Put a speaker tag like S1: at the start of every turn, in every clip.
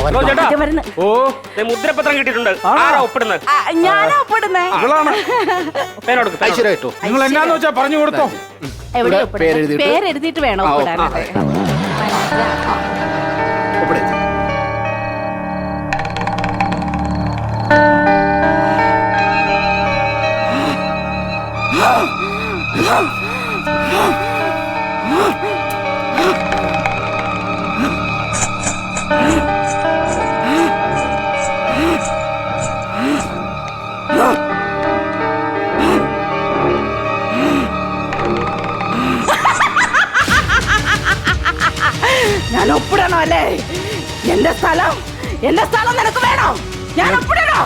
S1: ഓ മുദ്രപത്രം കിട്ടിയിട്ടുണ്ട്. ആരാ ഒപ്പിടുന്നത്?
S2: ഞാനാ ഒപ്പിടുന്നേ.
S3: ഐശ്വര്യ
S4: നിങ്ങൾ എന്നാന്ന് വെച്ചാ പറഞ്ഞു കൊടുത്തോ.
S2: പേരെഴുതിയിട്ട് വേണം ഒപ്പിടാൻ. ഞാൻ ഒപ്പിടണോ അല്ലേ? എന്റെ സ്ഥലം നിനക്ക് വേണോ? ഞാൻ ഒപ്പിടണോ?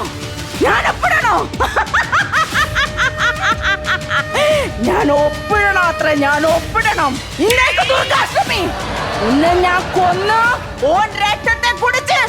S2: അത്ര ഞാൻ ഒപ്പിടണം. ഇന്നേക്ക് ദുർഗാഷ്ടമി ഉന്നെ ഞാൻ കൊന്നു ഓൻ രക്തത്തെ കുടിച്ച്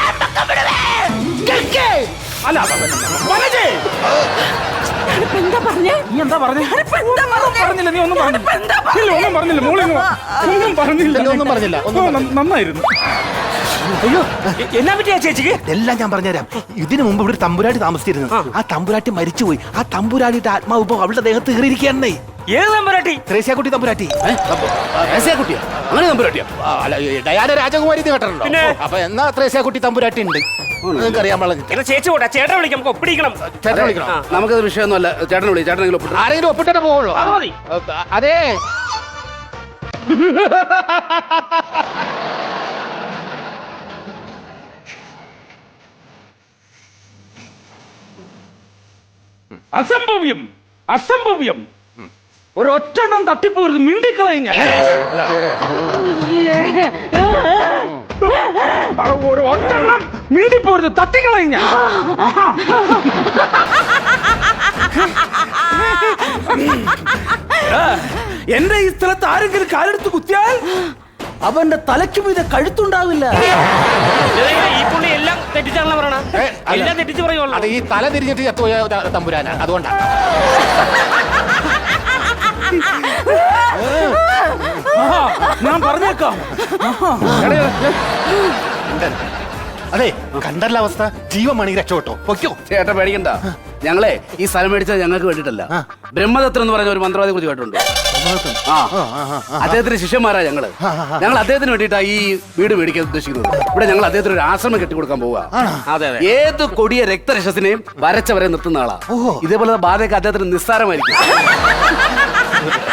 S2: എന്താ പറഞ്ഞേ?
S4: നീ എന്താ പറഞ്ഞേ? പറഞ്ഞില്ല. നീ ഒന്നും പറഞ്ഞില്ല. ഒന്നും പറഞ്ഞില്ല. നന്നായിരുന്നു.
S1: അയ്യോ എന്നാ പറ്റിയാ ചേച്ചിക്ക്?
S3: എല്ലാം ഞാൻ പറഞ്ഞുതരാം. ഇതിനു മുമ്പ് ഇവിടെ തമ്പുരാട്ടി താമസിച്ചിരുന്നു. ആ തമ്പുരാട്ടി മരിച്ചുപോയി. ആ തമ്പുരാട്ടിയുടെ ആത്മാവ് ഇപ്പൊ അവളുടെ ദേഹത്ത് കയറിയിരിക്കുകയാണേ.
S1: ഏത് തമ്പുരാട്ടി?
S3: ത്രേസ്യാക്കുട്ടി തമ്പുരാട്ടി. ത്രേസ്യാക്കുട്ടിയാ? അങ്ങനെ തമ്പുരാട്ടിയാ? ഡയാന രാജകുമാരി കേട്ടിട്ടുണ്ടോ? അപ്പൊ എന്നാ ത്രേസ്യാക്കുട്ടി തമ്പുരാട്ടി ഉണ്ട്. നിങ്ങൾക്ക് അറിയാൻ പാടില്ല.
S1: ചേച്ചി കൂട്ടാ, ചേട്ടനെ വിളിക്കാം, നമുക്ക് ഒപ്പിടിക്കണം.
S3: ചേട്ടനെ വിളിക്കണം.
S5: നമുക്കത് വിഷയമൊന്നുമല്ല. ചേട്ടനെ വിളി. ചേട്ടനെങ്കിലും ഒപ്പിട്ട്
S3: ആരെങ്കിലും ഒപ്പിട്ടേ പോവുള്ളൂ. അതെ
S4: അസംഭവ്യം. ഒരൊറ്റെണ്ണം തട്ടിപ്പോരുത്. മിണ്ടിക്കളഞ്ഞ ഒറ്റെണ്ണം മിണ്ടിപ്പോരുത്. തട്ടിക്കളഞ്ഞ എന്റെ ഈ സ്ഥലത്ത് ആരെങ്കിലും കാലെടുത്ത് കുത്തിയാൽ അവന്റെ തലയ്ക്ക് മീതെ കഴുത്തുണ്ടാവില്ല.
S1: ഈ പുള്ളി എല്ലാം തെറ്റിച്ചാണല്ലോ പറയണ. എല്ലാം തെറ്റിച്ച് പറയുള്ളൂ.
S3: അത് ഈ തല തിരിഞ്ഞിട്ട് ചത്തുപോയ തമ്പുരാനാ, അതുകൊണ്ടാണ്.
S4: ഞാൻ പറഞ്ഞേക്കാം.
S3: അതെ, കണ്ടല്ല അവസ്ഥ. ജീവമാണെങ്കിൽ രക്ഷപ്പെട്ടോ. പൊയ്ക്കോ.
S5: ചേട്ടൻ പേടിക്കണ്ട. ഞങ്ങളെ ഈ സ്ഥലം മേടിച്ചത് ഞങ്ങൾക്ക് വേണ്ടിയിട്ടല്ല. ബ്രഹ്മദത്തൻ എന്ന് പറയുന്ന ഒരു മന്ത്രവാദിയെ കുറിച്ച് കേട്ടിട്ടുണ്ട്. അദ്ദേഹത്തിന്റെ ശിഷ്യന്മാരാ ഞങ്ങള്. ഞങ്ങൾ അദ്ദേഹത്തിന് വേണ്ടിയിട്ടാ ഈ വീട് മേടിക്കാൻ ഉദ്ദേശിക്കുന്നത്. ഇവിടെ ഞങ്ങൾ അദ്ദേഹത്തിന് ഒരു ആശ്രമം കെട്ടിക്കൊടുക്കാൻ പോവുക. ഏത് കൊടിയ രക്തരക്ഷസിനെയും വരച്ചവരെ നിർത്തുന്ന ആളാ. ഇതേപോലെ ബാധയൊക്കെ അദ്ദേഹത്തിന് നിസ്സാരമായിരിക്കും.